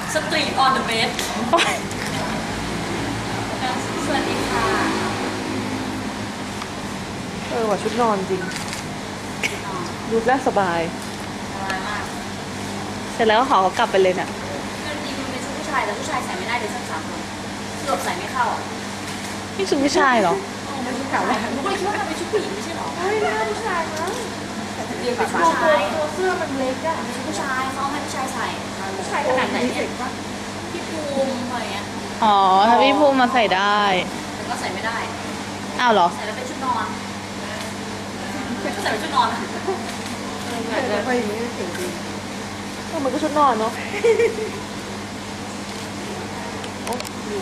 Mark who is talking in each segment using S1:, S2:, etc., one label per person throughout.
S1: สตรีทออนเดอะเบสสวัสดีค่ะ
S2: ว่าชุดนอนจริงดูแลสบาย
S1: สบายมาก
S3: เสร็จแล้วก็ขอเขากลับไปเลยเนี่ย
S1: คือจริงๆมันเป็นชุดผู้ชายแต่ผู้ชายใส่ไม่ได้เลยสัก3 คนเกือบใส่ไม่เข้าอ่ะ
S3: นี่ชุดผู้ชายเหรอ
S1: มันชุดเก่าแล้วหนูก็เลยคิดว่ามันเป็นชุดผู้หญิงไม่ใช่หรอ
S2: ไม่น่าผู้ชายมั้ง
S1: เรียนแบบผู้ชายตัวเสื้อมันเล็กอะเป็นชุดผู้ชายเขาให้ผู้ชายใส่ผู้ชายขนาดไหนเนี่ยพี่ภูมิอะไรเงี้ย
S3: อ๋อ ถ้าพี่ภูมิมาใส่ได้
S1: แต่ก็ใส่ไม่ได้
S3: อ้าวเหรอ
S1: ใส่แล้วเป็นชุดนอนก็ใส่เป็นชุดนอนอะ
S2: แล้วไปอย่างนี้เก่งดีมันก็ชุดนอนเนาะโอ้ลืม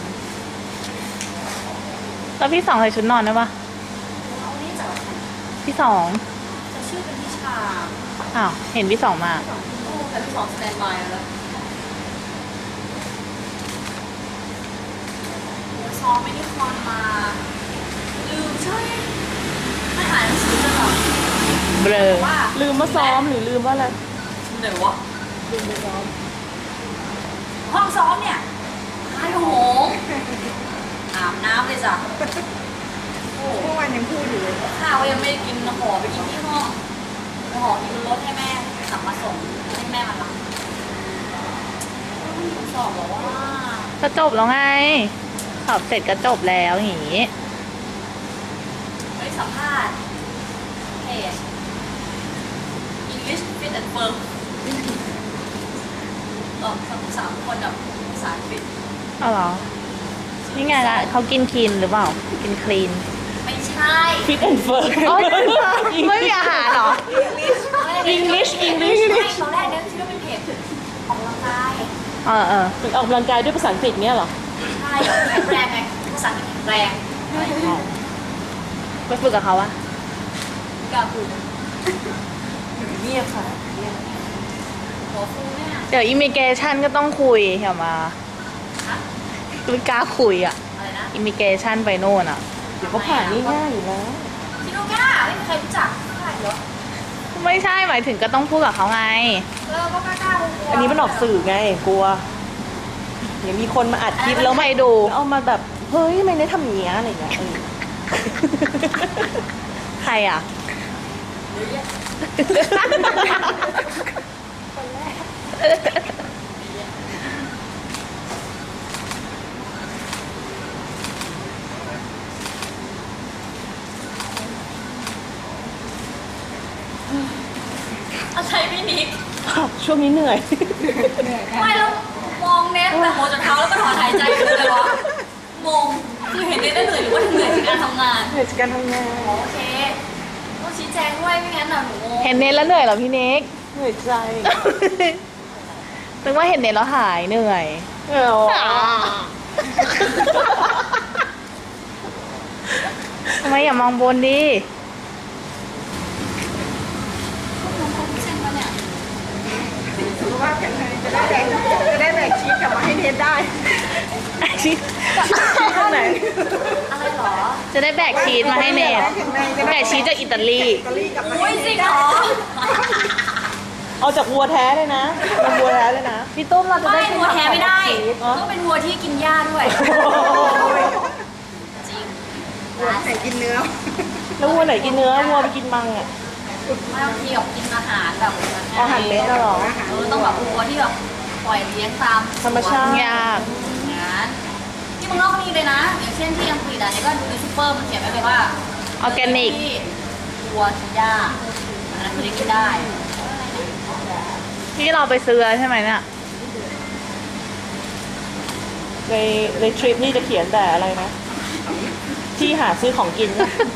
S3: แล้วพี่สองใส่ชุดนอนได้ปะ
S1: เอานี่จากไหน
S3: พี่สอง
S1: จะชื่อเป็นพิชา
S3: อ้าว เห็นพี่สองมา
S1: โอ้แต่พี่สองสแตนบายแล้วซ้อมไม่ได้คอนมาลืมใช่ไม่อ่านหนังสือเลยเหรอ
S3: เบลอ
S1: ว่า
S2: ลืมมาซ้อมหรือลืมว่าอะไร
S1: ไหนวะ
S2: ลืมไปซ้อม
S1: ห้องซ้อมเนี่ยไอ้โหงอาบน้ำเลยจ้ะโอ้
S2: เมื่อวานยังพูดอยู่เลย
S1: ข้าวยังไม่ได้กินห่อไปกินที่ห้องห่อกินบนรถให้แม่ขับมาส่งให้แม่มารับสอบบอกว่า
S3: ก็จบแล้วไง สอบเสร็จก็จบแล้วอย่างงี้
S1: ไม่สัมภาษณ์เพจ English Fit and Firm ตอบ3 คนกับภาษาอังกฤษ
S3: เอาเหรอ นี่ไงละเขากินคลีนหรือเปล่า กินคลีน
S1: ไม่ใช่
S2: ฟิตแอนด์เฟิร์
S3: อ๋อไม่มีอาหารเหรอ
S2: English
S1: ไม่ตอนแรกเนี่ยคิดว่าเป็นเพจออกกำลังกาย
S3: เออ
S2: ฝึกออกกำลังกายด้วยภาษาอังกฤษเนี้ยเหรอ
S1: ใช่แข็งแรงไงภาษาอังกฤษแข็งแรง
S3: ไปฝึกกับเขาอะ
S1: กล้าพูด
S2: เงียบค่ะเงียบ
S1: หัวฟูเนี่ย
S3: เดี๋ยวอิมิเกชันก็ต้องคุยเห็นมา
S1: ฮะ
S3: ไม่กล้าคุยอะ
S1: อะไรนะ
S3: อิมิเกชันไปโน่นอะ
S2: เดี๋ยวเขาผ่านง่ายๆอยู่แล้ว
S1: ชิโนก้าไม่มีใครรู้จักใช่เหรอ
S3: ไม่ใช่หมายถึงก็ต้องพูดกับเขาไง
S1: ก็กล้าๆ
S2: อันนี้มันออกสื่อไงกลัวเดี๋ยวมีคนมาอัดคลิปแล้ว
S3: ใครดู
S2: เอามาแบบเฮ้ยทำไมได้ทำอย่างเงี้ยอะไรอย่างเงี้ย
S3: ใครอะ
S1: เยอะแยะอะไรพี่นิก
S2: ช่วงนี้เหนื่อย
S1: ไม่แล้วมองเน็ตแต่หัวจนเท้าแล้วก็ถอนหายใจคืออะไรวะงงคือเห็นเน็ตได้เหนื่อยหรือว่าเหนื่อยจากการทำงาน
S2: เหนื่อยจากการทำงาน
S1: โอเคต้องชี้แจงด้วยไม่งั้นน่ะหนูงง
S3: เห็นเน็ตแล้วเหนื่อยเหรอพี่เน็ก
S2: เหนื่อยใจ
S3: นึกว่าเห็นเน็ตแล้วหายเหนื่อย ทำไมอย่ามองบนดิ
S1: เส้นปะเนี่ย
S2: สุขภาพแข็งแรงจะได้แบกชีสกลับมาให้เทสได้ชีสข้างไหน
S1: อะไรเหรอ
S3: จะได้แบกชีสมาให้เน็ตแบกชีสจากอิตาลี
S1: อุ้ยจริงเหรอ
S2: เอาจากวัวแท้เลยนะเป็นวัวแท้เลยนะ
S3: พี่ตุ้มเราจะได้
S1: ไม่
S3: กิน
S1: วัวแท้ไม่ได้
S2: อ๋อ
S1: ต้องเป็นวัวที่กินหญ้าด้วย จริง
S2: วัวไหนกินเนื้อ แล้ววัวไหนกินเนื้อวัวไปกินมังอ่ะ
S1: ไม่บางทีแบบกินอาหารแบบ
S2: อาหารเม็ดน่ะเหรอ
S1: ต้องแบบวัวที่แบบปล่อยเลี้ยงตาม
S2: ธรรมชาติ
S3: ยาก
S1: งานที่เมืองนอกก็มีเลยนะ อย่างเช่นที่อังกฤษอ่ะเนี่ยก็ดูในซูเปอร์มันเขียนไว้เลยว่า
S3: ออร์แกนิก
S1: ที่วัวกินหญ้าอันนั้นคือได้กินได้
S3: ที่เราไปซื้อใช่ไหมเนี่ย
S2: ในทริปนี่จะเขียนแต่อะไรนะ ที่หาซื้อของกิน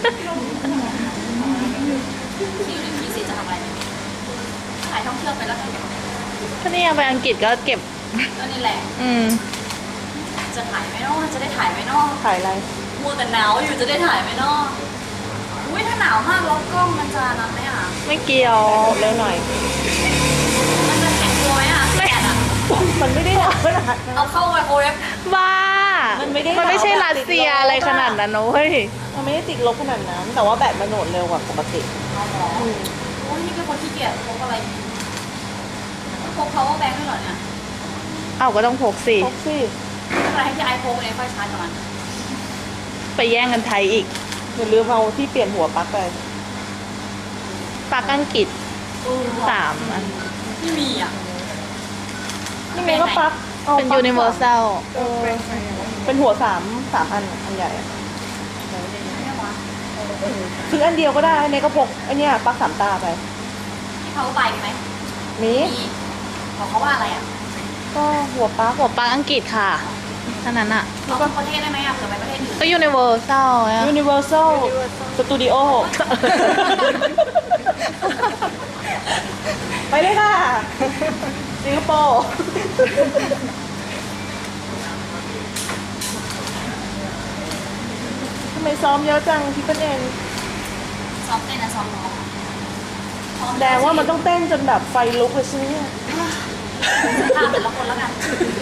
S1: ที่อยู่ในที่สิจะทำอะไรถ่ายท่องเที่ยวไปแล้วกัน
S3: ถ้านี่ยังไปอังกฤษก็เก็บ
S1: ก็นี่แหละ
S3: อืม
S1: จะถ่ายไหมเนอะจะได้ถ่ายไหมเนอะ
S2: ถ่ายอะไร
S1: มัวแต่หนาวอยู่จะได้ถ่ายไหมเนอะอุ้ยถ้าหนาวมากแล้วกล้องมันจะนั้นไหมอ่ะ
S3: ไม่เกี่ยว
S2: เร็วหน่อย
S1: มันจะแข็งตัวไหมอ่ะแข็งอ่ะ
S2: มันไม่ได้หนาวขนาดนั้น
S1: เอาเข้าไมโครเวฟ
S3: บ้า
S2: มั
S3: มัน
S2: ไม่ได้
S3: ไม่ใช่รัสเซียอะไรขนาดนั้นนะเว้ย
S2: มันไม่ได้ติดลบขนาดนั้น แต่ว่าแบตมันโหลดเร็วกว่าปกติ
S1: เอาหรอโอ้ยนี่เป็นคนขี้เกียจพกอะไรพก power bank ด้วยเหรอเนี่ย
S3: เอาก็ต้องพกสิ
S2: พกสิ
S1: อะไรให้พี่ไอโฟนเองค่อยชาร์จก่อน
S3: ไปแย่งกันไทยอีก
S2: อย่าลืมเอาที่เปลี่ยนหัวปลั๊กไป
S3: ปากอังกฤษ3 อัน
S1: ไม่มีอ่ะ
S2: นี่ไงก็ปลั๊กอา
S3: เป็น
S2: ปลั๊ก
S3: universal
S2: เออเป็นหัว3 อันอันใหญ่อะซื้ออันเดียวก็ได้อันนี้ก็พกอันเนี้ยปลั๊ก3 ตาไป
S1: ที่เขาไปไหม
S2: มี
S1: มีบอกเขาว่าอะไรอ่ะ
S2: ก็หัวปลั๊ก
S3: หัวปากอังกฤษค่ะเท่านั้นอ่ะ
S1: เอาทุกประเทศได้ไหมอ่ะเผื่อไปประเทศอื่น
S3: ก็ universal อะ
S2: Universal Studio ไปเลยค่ะสิงคโปร์ทำไมซ้อมเยอะจังพี่เปิ้ลเอง
S1: ซ้อมเต้นนะซ้อมร้องซ้อม
S2: แดงว่ามันต้องเต้นจนแบบไฟลุกเลยใช่ไหมเนี่ย
S1: ภาพแต่ละคนแล้วกัน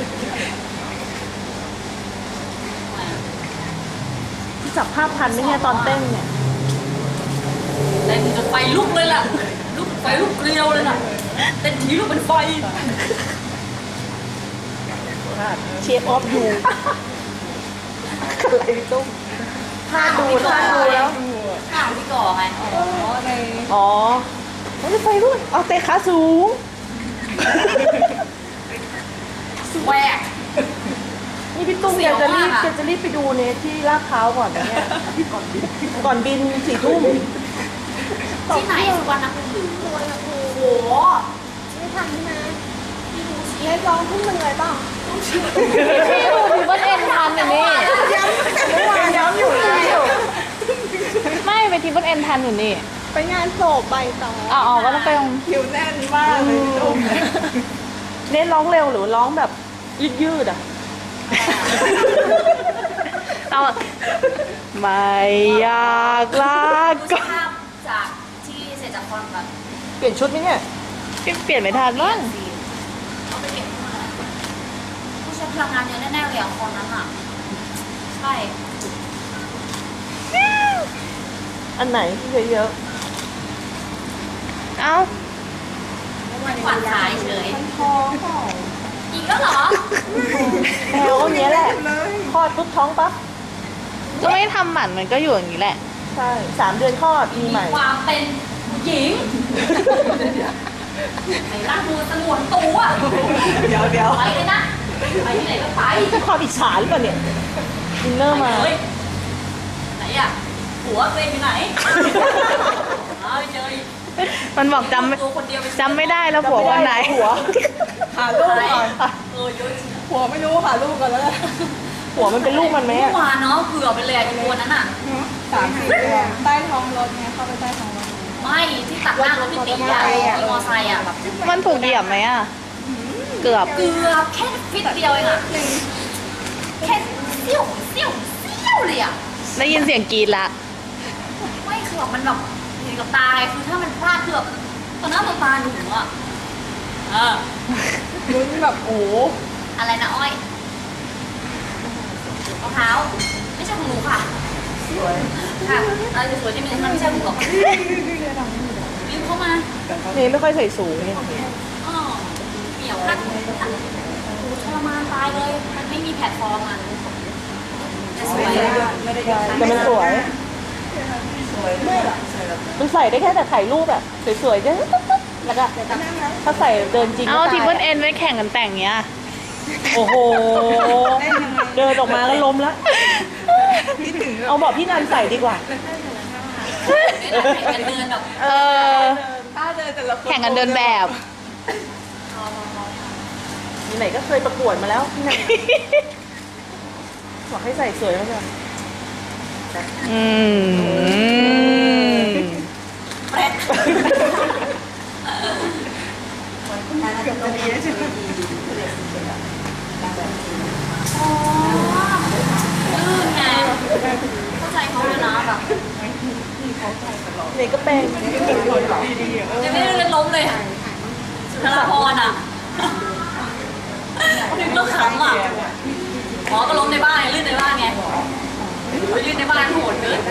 S2: ที่จับภาพทันไหมเนี่ยตอนเต้นเนี่ย
S1: เต้นจนไฟลุกเลยล่ะลุกไฟลุกเกลียวเลยล่ะเต้นทีลุกเป็นไฟ
S2: เชฟออฟยูอะไรตุ้มถ้าดูแล้ว
S1: ข้าวที่ก่อไง
S2: อ๋อมันจะไฟลุกเอาเตะขาสูง
S1: แหวก
S2: นี่พี่ตุ้ม
S1: เสี
S2: แก
S1: ยว
S2: จะรีบ
S1: มากอะ
S2: แกจะรีบไปดูเนทที่ลาดพร้าวก่อนนะเนี่ยก่อนบิน4 ทุ่ม
S1: ที่ไหนสุวรรณภูมิโอ้โห
S4: ไม่ทันใช่ไหม
S1: พี่ดูสิ
S4: เนทร้องทุ่มหนึ่งเลยเปล่า
S3: พี่ดูพี่เบิ้ลเอ็นทันอยู่นี่
S2: ย้ำอยู่
S3: ไม่ไปทีเบิ้ลเอ็นทันอยู่นี่
S4: ไปงานศพใบต่อ
S3: อ๋อก็ต้องไปตรง
S2: คิวแน่นมากเลยพี่ตุ้มเน้นร้องเร็วหรือร้องแบบยืดๆอ่ะ
S3: เอาไม่อยากลา
S1: ดูส
S3: ก็
S1: ภาพจากที่เสร็จจากคอนแบบ
S2: เปลี่ยนชุดไหมเนี่ย
S3: เปลี่ยนไม่ทันบ้าง
S1: เอาไปเก็บมาผู้ใช้พลังงานเยอะแน่ๆเลยอ่ะคอนนั้นอ่ะใช่
S2: อันไหนที่เยอะ
S3: เอ้า
S1: ขวัญขายเฉย
S2: ท้องเปล่า
S1: อีกแล้วเหรอ
S2: แถวเนี้ยแหละคลอดปุ๊บท้องปั๊บ
S3: ก็ไม่ทำหมันมันก็อยู่อย่างนี้แหละ
S2: ใช่3 เดือนคลอดมีใหม่
S1: ความเป็นหญิงไหนร่างมือสงวนตัว
S2: เดี๋ยว
S1: ไปเลยนะไปที่ไหนก็ไป
S2: จะความอิจฉาหรือเปล่าเนี่ยดินเนอร์มา
S1: ไปเลยไหนอ่ะหัวตัวเองอยู่ไหนเอาไปเจออีก
S3: มันบอกจ
S1: ตัวคนเดียวไป
S3: ำไม่ได้แล้วผัววันไหน
S2: หัวหาลูก
S1: ไหน
S2: ก่อน
S1: เยอะจริง
S2: หัวไม่รู้หาลูกก่อนแล้วกันหัวมันเป็นลูกมันไหม
S1: เมื่
S2: อะ
S1: อวานเนาะเผื่อไปเลยอีกตัวนั้นอ่ะ
S4: 3-4 ตัวใต้ท้องรถไงเข้าไปใต้ท้องรถ
S1: ไม่ที่ตัดหน้ารถพี่ตีอ่ะที่มอไซค์อ่ะแบบ
S3: มันถูกเหยียบไหมอ่ะ เกือบ
S1: เกือบแค่ฟิตเดียวเองอ่ะแค่เสี้ยวเลยอ่ะ
S3: ได้ยินเสียงกรีดละ
S1: ไม่คือแบบมันแบบเห็นกับตาไงคือถ้ามันพลาดคือแบบตอนนั้นตาหนูอ่ะเออ
S2: ลุ้นแบบโอ้
S1: อะไรนะอ้อยมะพร้าวไม่ใช่ของหนูค่ะ
S2: สวย
S1: ค่ะอะไรสวยๆที่มีมันไม่ใช่ของหนูหรอกรีบเข้ามา
S2: นี่ไม่ค่อยใส่สูงเนี่ย
S1: อ๋อเหนียวพัดทรมานตายเลย มันไม่มีแพลตฟอร์มอ่ะแต่สวย
S2: แต่มันสวยมันใส่ได้แค่แต่ถ่ายรูปแบบสวยๆจะแล้วก็ถ้าใส่เดินจริง
S3: เอา
S2: ก็
S3: ที
S2: ตาย
S3: เบิ้ลเอ็นไว้แข่งกันแต่งเนี้ย
S2: โอ้โหเดินออกมาแล้วล้มแล้วเอาบอกพี่นันใส่ดีกว่า
S1: เดินแบบ
S3: เออ แข่งกันเดินแบบ
S2: มีไหนก็เคยประกวดมาแล้วพี่นันบอกให้ใส่สวยมากเลย
S3: อืม
S1: แปลก อ๋อลื่นไงเข้าใจเขาเลยนะแบบ
S2: นี่ก็เป็น
S1: ยังไม่ได้เล่นล้มเลยสุนทรภรณ์อ่ะถึงเรื่องขำอ่ะอ๋อก็ล้มในบ้านไงลื่นในบ้านไงลื่นในบ้านโหดเกิน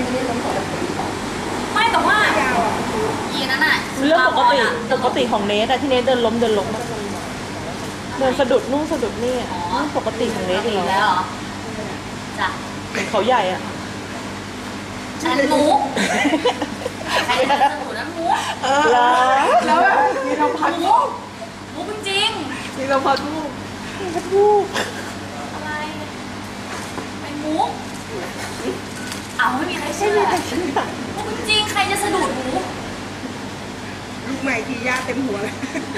S1: ไม่แต่ว่าอีนั้นอ่ะ
S2: เรื่องปกติของเนทอะที่เนทเดินล้มอะ
S1: อ
S3: เดินสะดุดนู่นสะดุดนี่อะนี่ปกติของเล็ก
S1: อี
S3: อยู่
S1: ก
S3: แล้
S1: แล้ว วเหรอจ้ะ
S3: เหมือนเขาใหญ่อะ
S1: อันนั้นมุกใครจะสนุกนั้นมุก
S3: แล้ว
S2: แล้วแบบมีเราพัดลูก
S1: มุกจริง
S2: มีเราพัดลูก
S3: ลูก
S1: ๆอะไรเป็นมุกอ้าวไม่มีใครเชื่อมุกจริงๆใครจะสะดุดมุก
S2: ลูกใหม่ทีย่าเต็มหัวเลย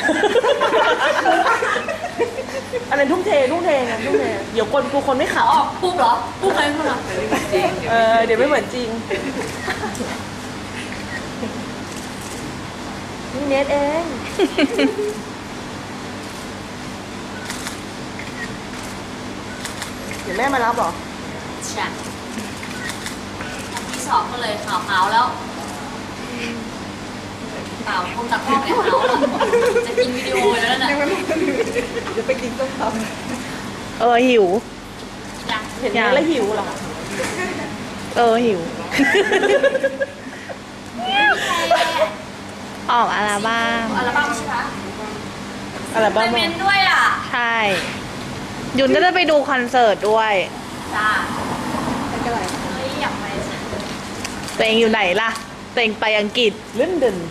S3: อันนั้นทุ่มเทนะทุ่มเทเดี๋ยวคนกูคนไม่ข
S1: อ๋อปุ๊บเหรอปุ๊บใครพูดเหรอ
S3: ำเดี๋ยวไม่เหมือนจริงนี่เน็ตเองเดี๋ยวแม่มารับเหรอ
S1: ใช่ที่สอบก็เลยขาวๆแล้วเปล่าคงตัดข้อเนี่ยขาวแล้วจะกินวิดีโอแล้วน่ะ
S2: ยังไม่มาเดี๋ยวไปกินต้มตำ
S3: หิว
S1: ยัง
S3: เห็นนี้แล้วหิวเหรอหิว ออกอัลบั้ม
S1: อัลบั้มใช่ไหม
S3: อัลบั้ม
S1: เมนด้วยอ่ะ
S3: ใช่ ยุนก็จะไปดูคอนเสิร์ตด้วย
S1: จ้า
S2: ไม่เป็นไร
S1: เฮ้ยอยากไปจ้ะ
S3: ตัวเองอยู่ไหนล่ะ ตัวเองไปอังกฤษลอนดอน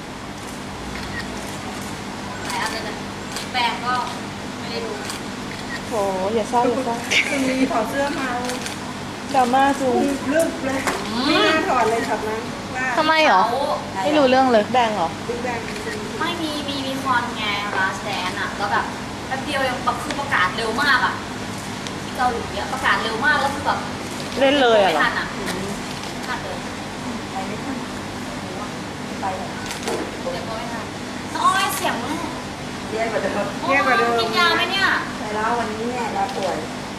S1: ไหนอะไรนะแปลงก็ไม่ได้ดู
S3: โหอย่าเศร้าอย่าเศร้า
S2: คุณมีถอดเสื้อมา
S3: ดราม่าจู
S2: ลึกเลยไม่น่าถอดเลยช็อตนั้นว่า
S3: ทำไมเหรอ ไม่รู้เรื่องเลยแดงเหรอ
S2: ดึงแดง
S1: ไม่มีคอนไงลาสแดนอ่ะแล้วแบบแป๊บเดียวยังแบบคือประกาศเร็วมากอ่ะที่เกาหลีอ่ะประกาศเร็วมากแล้วคือแบบ
S3: เล่นเลยอะเหรอ
S1: ไม่ทันอ่ะไม่ทันเลยไปเลยเดี๋ยวก็ไม่ทันน้องอ้อยเสียง
S2: แย่กว่าเดิม
S1: โอ้ยกินยาไหมเนี่ย
S2: แต่แล้ววันนี้เนี่ยเราป่วย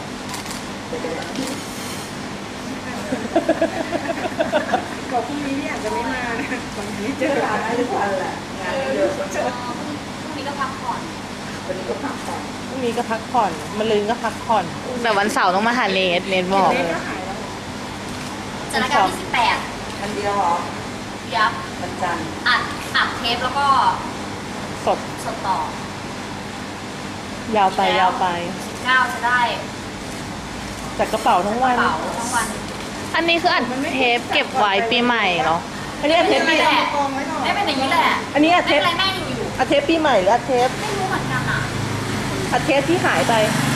S2: บอกพรุ่งนี้เนี่ยอาจจะไม่มานะวันนี้เจอร้านได้ทุกวันแหละงานเยอะ
S1: พรุ่งนี้ก็พักผ่อน
S2: วันนี้ก็พักผ่อน
S3: พรุ่งนี้ก็พักผ่อนมะรืนก็พักผ่อน แต่วันเสาร์ต้องมาหาเนทบอก
S2: เล็กก็หายแล้ว
S1: จัดรายการที่18
S2: วันเดียวเหรอ
S1: ยับ
S2: วันจันทร์
S1: อัดเทปแล้วก็
S3: สด
S1: สดต่อย
S3: าวไปยาวไป
S1: 9จะได้
S3: จากกระเป๋าทั้ง
S1: ก
S3: วั
S1: ระ
S3: น
S1: เป๋าทั้งวัน
S3: อันนี้คืออัดเทปเก็บไว้ปีใหม่เหรอ อันนี้อัดเทปปี
S1: แหละ
S2: กองไว้ก่อน
S1: ไม่เป็นอย่างนี้แหละ
S3: อันนี้อัดเท
S1: ไม่
S3: ป
S1: เป็นไรแม่อยู่
S3: อัดเทปปีใหม่หรืออัดเทป
S1: ไม่รู้เหมือนกันอ่ะ
S3: อัดเทปที่หายไป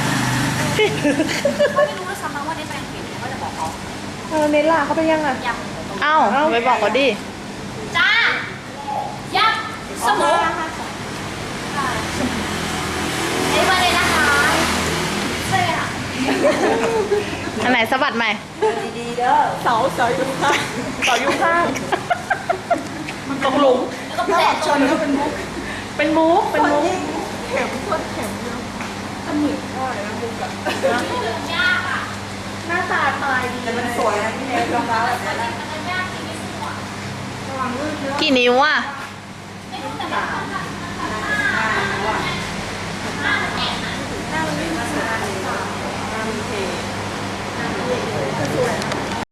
S1: ก็ไม่รู้ด้วยซ้ำนะว่าได้ไปอังกฤษก็จะบอกเขา
S3: เนทล่ะเขาไปยังอ่ะ
S1: ยัง
S3: อ้าวไปบอกเขาดิ
S1: จ้ายับสมุนไอ้มาเลยนะคะใช่ค่ะ
S3: อันไหนสะบัดใหม่
S2: ดีๆเด้อ
S3: เสาอยู่ข้างเสาอยู่ข้างมันตกหลุม
S1: แล้วก็
S2: ถ้า
S1: แผล
S2: ออกช
S1: ตัวน
S2: ก็เป็นมุก
S3: เป็นมุกเป็นมุก
S2: เข็มโคตรเข็มเนาะถ้าหมึกก็อะไรนะมุกอะ
S1: ยากอ่ะ
S3: หน้าตาตายดี
S2: แต่มันสวยนะพี่เนยรองเท้าแบบนี้
S1: มันจะยากจริงไม่สวย
S2: ระวังลื่นเยอะ
S3: กี่นิ้วอ่ะ
S1: ไม่รู้แต่มันค่อนข้าง